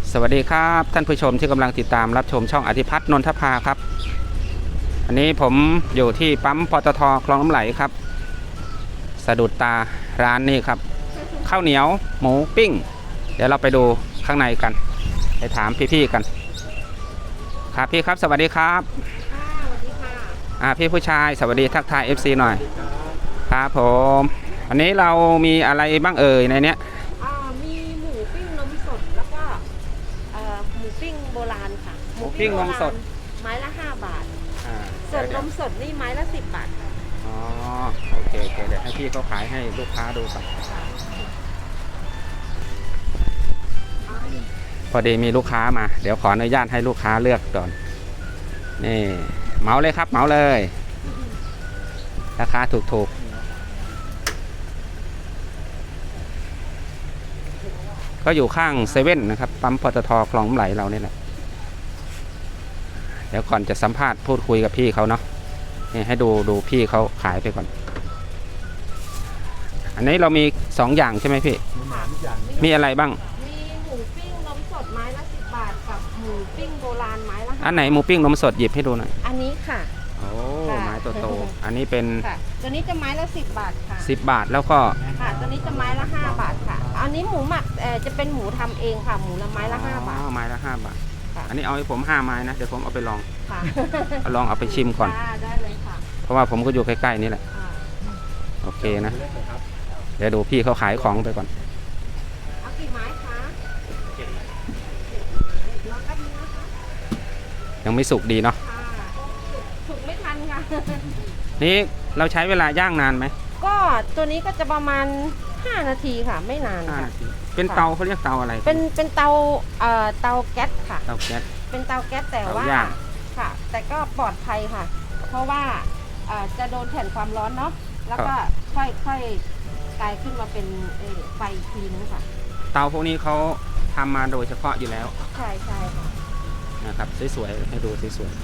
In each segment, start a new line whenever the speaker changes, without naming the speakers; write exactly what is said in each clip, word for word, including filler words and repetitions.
สวัสดีครับท่านผู้ชมที่กำลังติดตามรับชมช่องอธิพัฒน์นนทภาครับอันนี้ผมอยู่ที่ปั๊มปตท.คลองน้ำไหลครับสะดุดตาร้านนี้ครับข้าวเหนียวหมูปิ้งเดี๋ยวเราไปดูข้างในกันไปถามพี่ๆกันครับพี่ครับสวัสดีครับ
สวัสดีค่ะ
อ่าพี่ผู้ชายสวัสดีทักทาย เอฟ ซี หน่อยครับผมอันนี้เรามีอะไรบ้างเอ่ยในเนี้ย
มีหมูปิ้งนมสดแล้วก็หมูปิ้งโบราณค่ะ
หมูปิ้งนมสด
ไม้ละห้าบาทส่วนนมสดนี่ไม้ละสิบบาทค่ะ
อ๋อโอเคโอเคเดี๋ยวให้พี่เขาขายให้ลูกค้าดูก่อนพอดีมีลูกค้ามาเดี๋ยวขออนุญาตให้ลูกค้าเลือกก่อนนี่เหมาเลยครับเหมาเลยราคาถูกๆก็อยู่ข้างเซเว่นนะครับปั๊มปตท.คลองน้ำไหลเราเนี่ยแหละเดี๋ยวก่อนจะสัมภาษณ์พูดคุยกับพี่เขาเนาะนี่ให้ดูดูพี่เขาขายไปก่อนอันนี้เรามีสองอย่างใช่ไหมพี่มีอะไรบ้าง
มีหมูปิ้งนมสดไม้ละสิบบาทกับหมูปิ้งโบราณไม้ละ
อันไหนหมูปิ้งนมสดหยิบให้ดูหน่อย
อันนี้ค่ะ
โอ้ไม้โตๆอันนี้เป็น
ตัวนี้จะไม้ละสิบบาทค่ะ
สิบบาทแล้วก็
ค่ะตัวนี้จะไม้ละห้าบาทค่ะอันนี้หมูหมักเอ่อจะเป็นหมูทำเองค่ะหมูละไม้ละห้าบาท
ไม้ละห้าบาทอันนี้เอาให้ผมห้าไม้นะเดี๋ยวผมเอาไปลองลองเอาไปชิมก่อน
ได้เลยค่ะ
เพราะว่าผมก็อยู่ใกล้ๆนี่แหละโอเคนะเดี๋ยวดูพี่เขาขายของไปก่อน
เอากี่ไม้คะ
ยังไม่สุกดีเนาะ
สุกไม่ทันค่ะ
นี่เราใช้เวลาย่างนานไหม
ก็ตัวนี้ก็จะประมาณห้านาทีค่ะไม่นานค่ะ
เป็นเตาเขาเรียกเตาอะไร
เป็นเป็นเตาเอ่อเตาแก๊สค่ะ
เตาแก๊ส
เป็นเตาแก๊สแต่ว่าค่ะแต่ก็ปลอดภัยค่ะเพราะว่าจะโดนแผ่นความร้อนเนาะแล้วก็ค่อยๆกลายขึ้นมาเป็นไฟทีนึงค่ะ
เตาพวกนี้เขาทำมาโดยเฉพาะอยู่แล้ว
ใช่ใช่ค่ะ
นะครับสวยๆให้ดูสวยๆ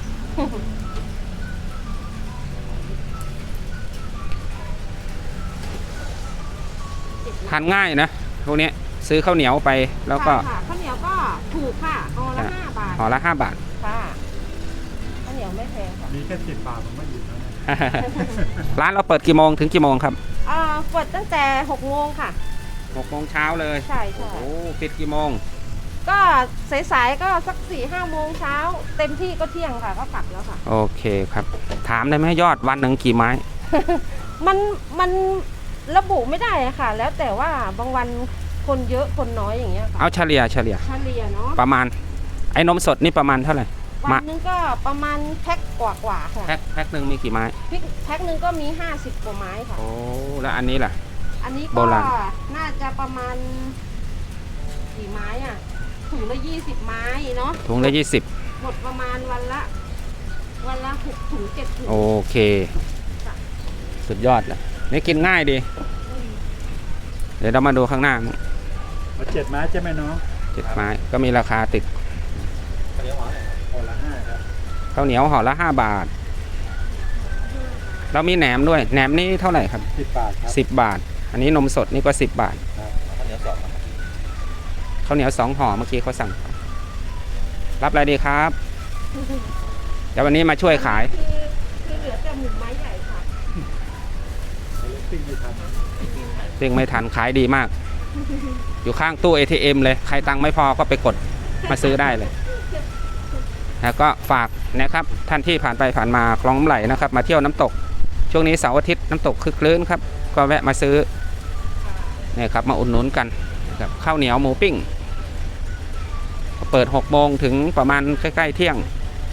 ทานง่ายนะพวกนี้ซื้อข้าวเหนียวไปแล้วก็
ข้าวเหนียวก็ถูกค่ะห่อละห้าบาท
ห่อละห้าบาท
ค่ะข้าวเหนียวไม่แพงค่ะ
มีแค่สิบบาทผมไม่หยุดแล้ว
ร้านเราเปิดกี่โมงถึงกี่โมงครับ
อ่าเปิดตั้งแต่หกโมงค่ะ
หกโมงเช้าเลย
ใช่ใช่
โอ้ปิดกี่โมง
ก็สายๆก็สักสี่ห้าโมงเช้าเต็มที่ก็เที่ยงค่ะก็กลับแล้วค่ะ
โอเคครับถามได้ไหมยอดวันหนึ่งกี่ไม้
มันมันระบุไม่ได้ค่ะแล้วแต่ว่าบางวันคนเยอะคนน้อยอย่างเงี้ย
เอาเฉลี่ยเฉลี่ย
เฉลี่ยเนาะ
ประมาณไอ้นมสดนี่ประมาณเท่าไหร่
วันนึงก็ประมาณแพ็คกว่ากว่าค่ะ
แพ็คแพ็คหนึ่งมีกี่ไม้
แพ็คหนึ่งก็มีห้าสิบกว่าไม้ค่ะ
โอ้แล้วอันนี้ล่ะ
อันนี้ก็น่าจะประมาณกี่ไม้อ่ะถุงละยี่สิบไม้เนาะ
ถุงละยี่สิบ
หมดประมาณวันละวันละหกถุงเจ็ดถุง
โอเคสุดยอดเลยนี่กินง่ายดีเดี๋ยวเรามาดูข้างหน้า
เจ็ดไม้ใช่ไหมน้อง
เจ็ดไม้ก็มีราคาติด
ข้าวเหนียวห่อละห้าครับ
ข้าวเหนียวห่อละห้าบาทเรามีแหนมด้วยแหนมนี่เท่าไหร่ครับ
สิบบาทครับ
สิบบาทอันนี้นมสดนี่ก็สิบบาท
ข้าวเหนียวสอง
ข้าวเหนียวสองห่อเมื่อกี้เขาสั่งรับอะไรดีครับเดี๋ยววันนี้มาช่วยขาย
คือเหลือแต่หมูไม้ใหญ่ค่ะ
ปิ้งไม่ทัน
ปิ้งไม่ทันขายดีมากอยู่ข้างตู้ เอ ที เอ็ม เลยใครตังค์ไม่พอก็ไปกดมาซื้อได้เลยแล้วก็ฝากนะครับท่านที่ผ่านไปผ่านมาคลองน้ำไหลนะครับมาเที่ยวน้ำตกช่วงนี้เสาร์อาทิตย์น้ำตกคึกคลื้นครับก็แวะมาซื้อเนี่ยครับมาอุดหนุนกันกับข้าวเหนียวหมูปิ้งเปิดหกโมงถึงประมาณใกล้ๆเที่ยง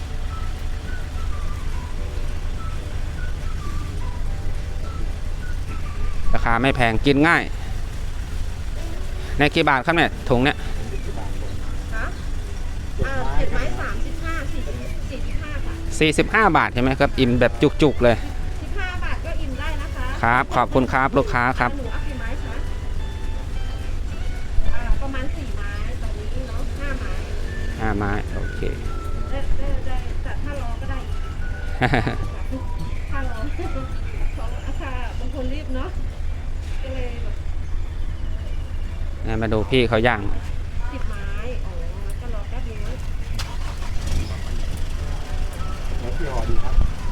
ราคาไม่แพงกินง่ายในกี่บาทครับเนี่ยถุงเนี่ย
เจ็ดไม้สามสิบห้าสี่สี่สิบห้าค่ะ
สี่สิบห้าบาทใช่ไหมครับอิ่มแบบจุกๆเลย
สิบห้าบาทก็อิ่มได้นะคะ
ครับขอบคุณครับลูกค้าครับ
หนูเอากี่ไม้คะประมาณสี่ไม้ตอนนี้เนาะห้าไม้
ห้าไม้โอเค
ได้ได้ได้แต่ถ้ารอก็ได้ถ้ารอของอาคาบางคนรีบเนาะก็เลยแบบ
มาดูพี่เขาย่าง
สิบไม้อ๋อก็
กี่ห่อดีครับ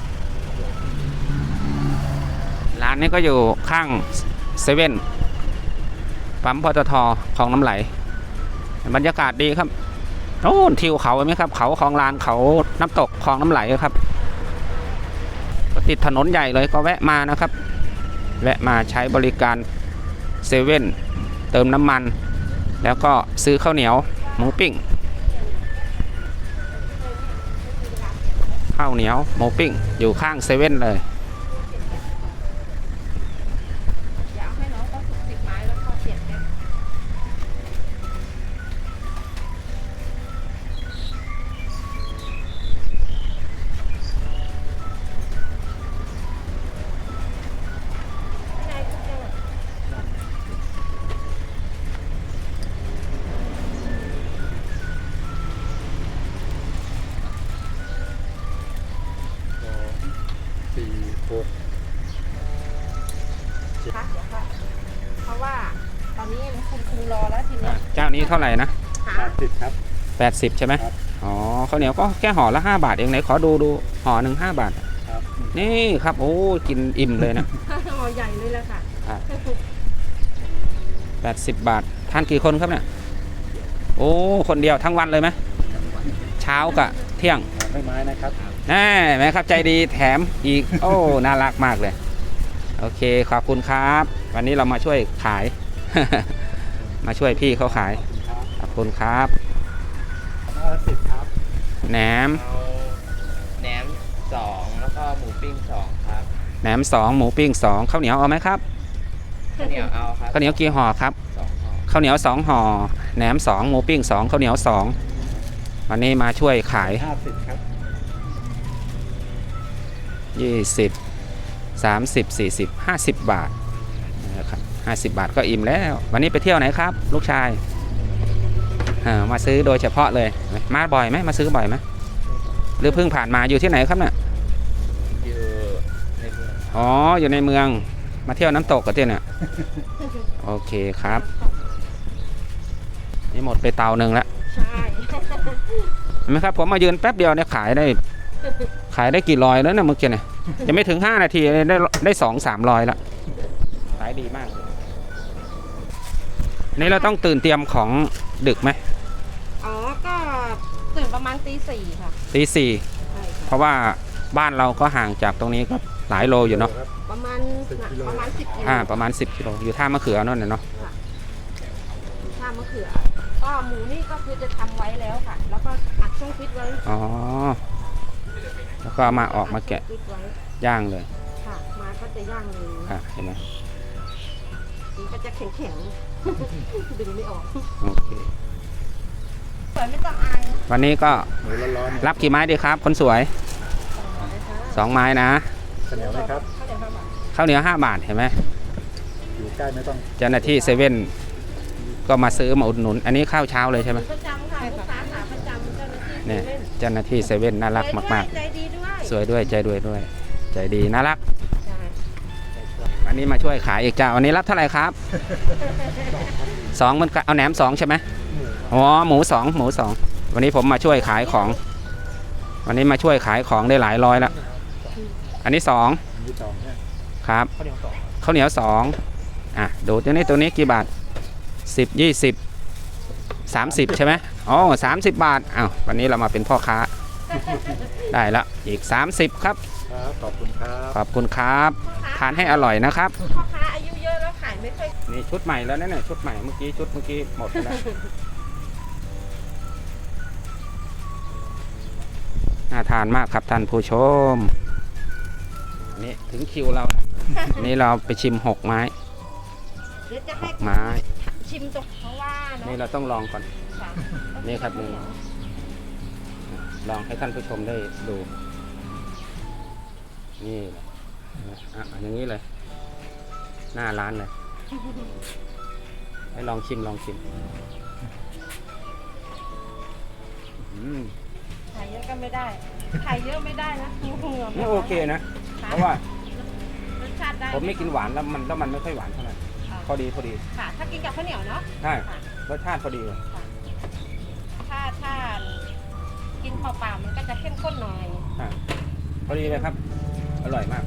ร้านนี้ก็อยู่ข้างเซเว่นปั๊มปตทคลองน้ำไหลบรรยากาศดีครับโอ้ทิวเขาเห็นไหมครับเขาคลองลานเขาน้ำตกคลองน้ำไหลครับก็ติดถนนใหญ่เลยก็แวะมานะครับแวะมาใช้บริการเซเว่นเติมน้ำมัน แล้วก็ซื้อข้าวเหนียวหมูปิ้งข้าวเหนียวหมูปิ้งอยู่ข้างเซเว่นเลย
อยากให้น้องก็สิบไม้แล้วก็เปลี่ยนแพ็คไม่ได้ทุกอย่าง
สองสี่หก
ค่ะเดี๋ยวค่ะเพราะว่าตอนนี้คุณครูรอแล้วทีเนี้ย
เจ้านี้เท่าไหร่นะ
หา
แปดสิบครับ
แปดสิบใช่ไหม
ครับ
อ๋อข้าวเหนียวก็แค่ห่อละห้าบาทเองไหนขอดูดูห่อหนึ่งห้าบาท
ครับ
นี่ครับโอ้กินอิ่มเลยนะ
ห่อใหญ่เลยแหละค่ะ
แปดสิบบาททานกี่คนครับเนี่ยโอ้คนเดียวทั้งวันเลยไหมเช้ากับเที่ยง
ไม่ไม้นะครับ
แน่ไหมครับใจดีแถมอีก โอ้น่ารักมากเลยโอเคขอบคุณครับ วันนี้เรามาช่วยขาย มาช่วยพี่เขาขาย
ครับ
ขอบคุณครับ
ห้าสิบครับ
แหนม
เอาแหนมสองแล้วก็หมูปิ้งสองครับ
แหนมสองหมูปิ้งสองข้าวเหนียวเอาไหมครับ
ข้าวเหนียวเอาครับ
ข้าวเหนียวกี่ห่อครับ
สองห่อ
ข้าวเหนียวสองห่อแหนมสองหมูปิ้งสองข้าวเหนียวสองวันนี้มาช่วยขาย
ห้าสิบครับ
ยี่สิบ สามสิบ สี่สิบ ห้าสิบบาทนะครับห้าสิบบาทก็อิ่มแล้ว วันนี้ไปเที่ยวไหนครับ ลูกชายเออมาซื้อโดยเฉพาะเลยมาบ่อยไหมมาซื้อบ่อยไหมหรือเพิ่งผ่านมาอยู่ที่ไหนครับเนี่ย
อยู่ในเมือง
อ๋ออยู่ในเมืองมาเที่ยวน้ำตกกันที่เนี่ยโอเคครับนี่หมดไปเตาหนึ่งแล้ว
ใช่
เห็นไหมครับผมมายืนแป๊บเดียวเนี่ยขายได้ ขายได้กี่ร้อยแล้วเนี่ยเมื่อกี้เนี่ยจะไม่ถึงห้านาทีได้ได้สองสามร้อยละขายดีมากนี่เราต้องตื่นเตรียมของดึกไหม
อ๋อ ก็ตื่นประมาณตีสี่ค่ะ
ตีสี่
ใช่
เพ
ค่ะ
ราะว่าบ้านเราก็ห่างจากตรงนี้ก็หลายโลอยู่เนาะ
ครับ
ประมาณ
สิบกิโล
ประมาณสิบกิโล
อ่าประมาณสิบกิโลอยู่ท่ามะเขือนั่นน่ะเนาะ
ข้ามมะเขือ ก็หมูนี่ก็คือจะทำไว้แล้วค่ะ แล้วก็อัดช่องฟิตไว้
อ๋อแล้วก็เอามาออกมาแกะ
ฟิตไว้
ย่างเลย
ค่ะ มาก็จะย่างเลย
อ่ะเห็นไหม
มันก็จะแข็งๆ ดึงไม่ออก
โอเค
สวยไม่ต้องอาย
วันนี้ก็
หมูร้อนๆเนี่ย
รับกี่ไม้ดีครับ คนสวยสองไม้นะ
ข้าวเหนียวไหมครับ
ข้าวเหนียวห้าบาท
ข้าวเหนียวห้าบาทเห็นไหม
อยู่ใกล้ไม่ต้อง
เจ้าหน้าที่เซเว่นก็มาซื้อมาอุดหนุน อันนี้ข้าวเช้าเลยใช่ไหม
ประจำค่ะลูกค้าขาประจำเจ้าหน้าที่
เนี่ย
เล่น
เจ้าหน้าที่เซเว่นน่ารักมาก
ใจดีด้วย
ๆ สวยด้วยใจด้วยด้วย ใจดีน่ารัก
ใช่
วันนี้มาช่วยขายอีกจ้าวันนี้รับเท่าไหร่ครับสองเหมันกันเอาแหนมสองใช่ไหมอ๋อหมูสองหมูสองวันนี้ผมมาช่วยขายของ วันนี้มาช่วยขายของได้หลายร้อยแล้วอันนี้สอง
อันนี้สองเนี่ย
ครับ
ข้าวเหนียวสอง
ข้าวเหนียวสองอ่ะดูตัวนี้ตัวนี้กี่บาทสิบยี่สิบสามสิบใช่ไหมอ๋อสามสิบบาทอ้าววันนี้เรามาเป็นพ่อค้า ได้ละอีกสามสิบครับ
ครับขอบคุณครับ
ขอบคุณครับทานให้อร่อยนะครับ
พ่อค้าอายุเยอะแล้วขายไม่ค่อย
นี่ชุดใหม่แล้วนะเนี่ยชุดใหม่เมื่อกี้ชุดเมื่อกี้หมดไปแล้ว น่าทานมากครับท่านผู้ชมนี่ถึงคิวเราแล้วนี่เราไปชิมหกไม้
เดี๋ยวจะให้
ไม้
ชิมตรงเพราะว่าเนาะ
นี่เราต้องลองก่อน
ค่ะ
นี่ครับนี่ลองให้ท่านผู้ชมได้ดู นี่อ่ะอย่างนี้เลย หน้าร้านเลย ให้ลองชิมลองชิมอืม
ขายเยอะก็ไม่ได้ขายเยอะไม่ได้นะเหงื่อ
นี่โอเคนะ เพราะว่า
รสชาติได้
ผมไม่กินหวานแล้วมันแล้วมันไม่ค่อยหวานเท่าไหร่พอดีพอดี
ค่ะ ถ้ากินกับข้าวเหนียวเนาะ
ใช่รสชาติพอดีเลย
ถ้าถ้ากินเปล่าๆมันก็จะเข้มข้นหน่อย
อ่ะอดีเลยครับ อร่อยมาก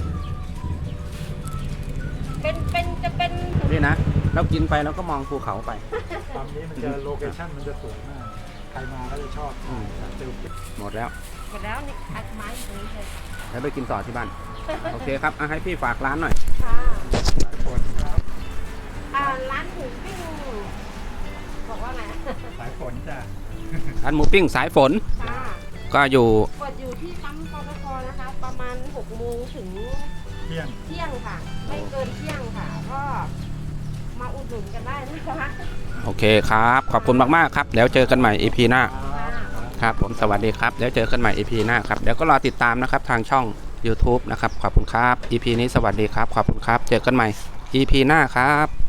เป็นเป็นจะเป็น
นี่นะ เรากินไปแล้วก็มองภูเขาไป
ตอนนี้มันจะโลเคชั่นมันจะสวยมาก ใครมาก็จะชอบ
อืม
เจอ
หมดแล้ว
หมดแล้วนี่อัดไม้ตรงนี้เลย
แล้วไปกินต่อที่บ้าน โอเคครับอ่ะให้พี่ฝากร้านหน่อย
ค่ะ
หลายคนครับ
อ่าร้านหมูปิ้งบอกว่าไง
สายฝนจ้ะ
ร้านหมูปิ้งสายฝน
ค่ะ
ก็อยู่
เปิดอยู่ที่ปั๊มปตทนะคะ ประมาณหกโมงถึง
เที่ยง
เที่ยงค่ะ ไม่เกินเที่ยงค่ะ ก็มาอุดหนุนกันได้นะคะ
โอเคครับ ขอบคุณมากๆครับ แล้วเจอกันใหม่ อี พี หน้า
ค่ะ
ครับผมสวัสดีครับ แล้วเจอกันใหม่ อี พี หน้าครับ เดี๋ยวก็รอติดตามนะครับทางช่อง YouTube นะครับ ขอบคุณครับ อี พี นี้สวัสดีครับ ขอบคุณครับ เจอกันใหม่ อี พี หน้าครับ